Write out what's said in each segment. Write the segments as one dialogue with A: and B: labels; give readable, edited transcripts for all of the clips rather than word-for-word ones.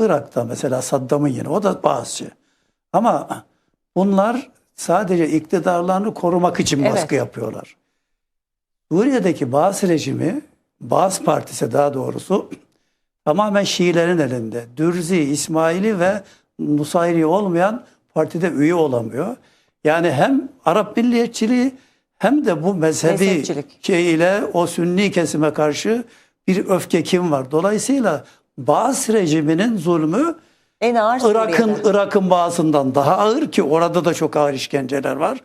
A: Irak'ta mesela Saddam'ın yine o da Bağızçı. Ama bunlar sadece iktidarlarını korumak için baskı yapıyorlar. Suriye'deki Baas rejimi, Baas Partisi daha doğrusu tamamen Şiilerin elinde. Dürzi, İsmaili ve Nusayri olmayan partide üye olamıyor. Yani hem Arap milliyetçiliği hem de bu mezhebi şeyiyle o Sünni kesime karşı bir öfke kim var. Dolayısıyla Baas rejiminin zulmü
B: en ağır
A: Irak'ın Baas'ından daha ağır ki orada da çok ağır işkenceler var.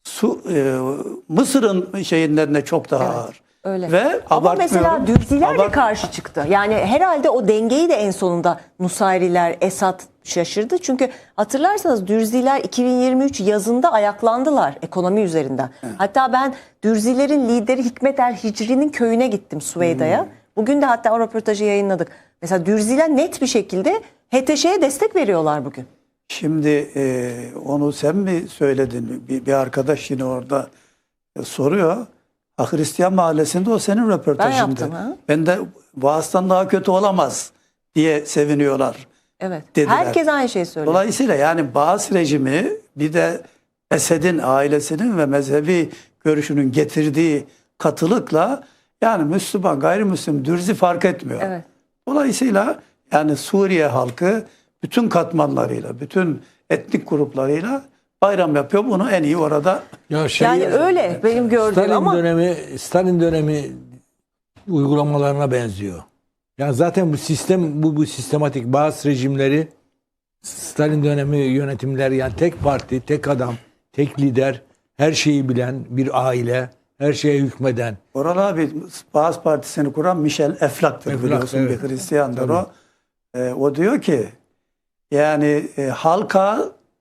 A: Mısır'ın şeyinlerine çok daha ağır.
B: Öyle.
A: Ve
B: ama mesela Dürziler de karşı çıktı. Yani herhalde o dengeyi de en sonunda Nusayriler, Esad şaşırdı. Çünkü hatırlarsanız Dürziler 2023 yazında ayaklandılar ekonomi üzerinden. Evet. Hatta ben Dürzilerin lideri Hikmet el Hicri'nin köyüne gittim Süveyda'ya. Bugün de hatta o röportajı yayınladık. Mesela Dürziler net bir şekilde HTŞ'ye destek veriyorlar bugün.
A: Şimdi onu sen mi söyledin? Bir arkadaş yine orada soruyor. Hristiyan mahallesinde o senin röportajında.
B: Ben yaptım ha.
A: Ben de Vaaz'dan daha kötü olamaz diye seviniyorlar.
B: Evet.
A: Dediler.
B: Herkes aynı şeyi söylüyor.
A: Dolayısıyla yani Baas rejimi bir de Esed'in ailesinin ve mezhebi görüşünün getirdiği katılıkla yani Müslüman, gayrimüslim, Dürzi fark etmiyor.
B: Evet.
A: Dolayısıyla yani Suriye halkı bütün katmanlarıyla, bütün etnik gruplarıyla bayram yapıyor. Bunu en iyi orada.
B: Ya yani öyle benim gördüğüm ama
C: Stalin dönemi uygulamalarına benziyor. Yani zaten bu sistem bu sistematik bazı rejimleri Stalin dönemi yönetimler yani tek parti, tek adam, tek lider, her şeyi bilen bir aile, her şeye hükmeden.
A: Oral abi Baas Partisi'ni kuran Michel Eflak'tır biliyorsun, evet. Bir Hristiyandır o. O diyor ki yani halka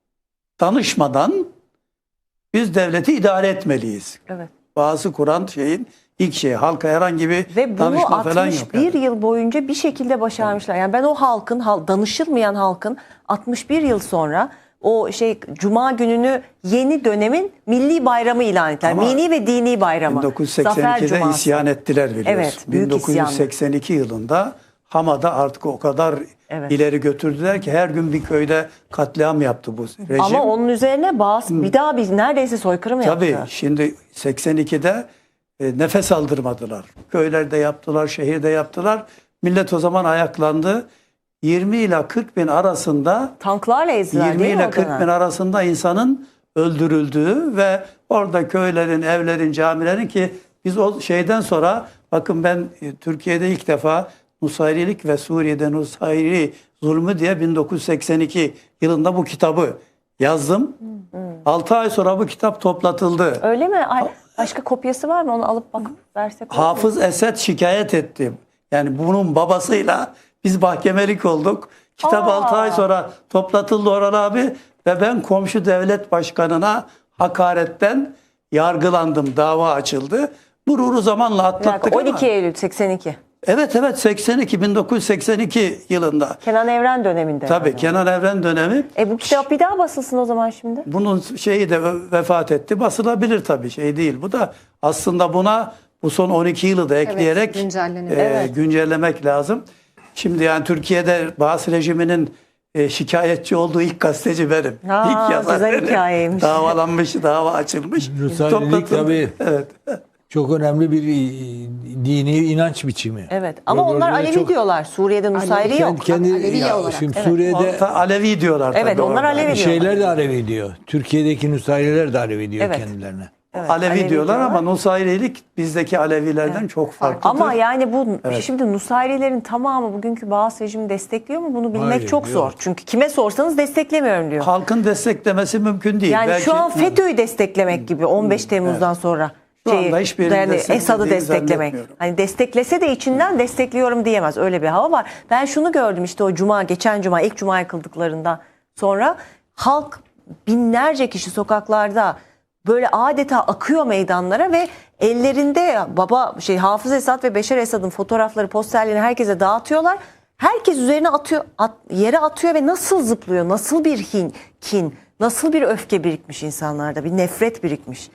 A: danışmadan biz devleti idare etmeliyiz.
B: Evet.
A: Bazı kuran şeyin ilk şeyi halka herhangi bir danışma falan yok.
B: Ve bunu 61 yıl boyunca bir şekilde başarmışlar. Yani ben o halkın, danışılmayan halkın 61 yıl sonra o Cuma gününü yeni dönemin milli bayramı ilan ettiler. Milli ve dini bayramı.
A: 1982'de isyan ettiler biliyorsun.
B: Evet, büyük
A: 1982 yılında Hama'da artık o kadar ileri götürdüler ki her gün bir köyde katliam yaptı bu rejim.
B: Ama onun üzerine bir daha neredeyse soykırım yaptı.
A: Tabii şimdi 82'de nefes aldırmadılar. Köylerde yaptılar, şehirde yaptılar. Millet o zaman ayaklandı. 20 ile 40 bin arasında
B: tanklarla ezdiler
A: 20 ile 40 bin arasında insanın öldürüldüğü ve orada köylerin, evlerin, camilerin ki biz o şeyden sonra bakın ben Türkiye'de ilk defa Nusayrilik ve Suriye'de Nusayri zulmü diye 1982 yılında bu kitabı yazdım. 6 ay sonra bu kitap toplatıldı.
B: Öyle mi? Başka kopyası var mı? Onu alıp versek.
A: Hafız Esed şikayet etti. Yani bunun babasıyla biz mahkemelik olduk. Kitap 6 ay sonra toplatıldı Orhan abi ve ben komşu devlet başkanına hakaretten yargılandım. Dava açıldı. Gururu zamanla atlattık
B: 12 Eylül 82.
A: Evet 1982 yılında.
B: Kenan Evren döneminde.
A: Tabii yani. Kenan Evren dönemi.
B: Bu kitap bir daha basılsın o zaman şimdi.
A: Bunun şeyi de vefat etti. Basılabilir tabii şey değil. Bu da aslında bu son 12 yılı da ekleyerek güncellemek lazım. Şimdi yani Türkiye'de Baas rejiminin şikayetçi olduğu ilk gazeteci benim. İlk yazar
B: güzel
A: benim.
B: Hikayeymiş.
A: Davalanmış, dava açılmış.
C: Nusayrilik tabii. Evet. Çok önemli bir dini inanç biçimi.
B: Evet ama onlar Alevi diyorlar. Suriye'de Nusayri yok.
C: Alevi olarak. Şimdi Suriye'de
A: Alevi diyorlar.
B: Evet onlar Alevi diyorlar.
C: Şeyler de Alevi diyor. Türkiye'deki Nusayriler de Alevi diyor kendilerine.
A: Evet, Alevi diyorlar ama Nusayrilik bizdeki Alevilerden çok farklıdır.
B: Ama yani şimdi Nusayrilerin tamamı bugünkü Baas rejimi destekliyor mu? Bunu bilmek çok zor. Çünkü kime sorsanız desteklemiyorum diyor.
A: Halkın desteklemesi mümkün değil.
B: Yani şu an FETÖ'yü desteklemek gibi 15 Temmuz'dan sonra. Esad'ı desteklemek. Hani desteklese de içinden destekliyorum diyemez. Öyle bir hava var. Ben şunu gördüm işte o geçen cuma ilk cuma kıldıklarından sonra halk binlerce kişi sokaklarda böyle adeta akıyor meydanlara ve ellerinde Hafız Esad ve Beşar Esad'ın fotoğrafları, posterlerini herkese dağıtıyorlar. Herkes üzerine yere atıyor ve nasıl zıplıyor, nasıl bir kin, nasıl bir öfke birikmiş insanlarda, bir nefret birikmiş.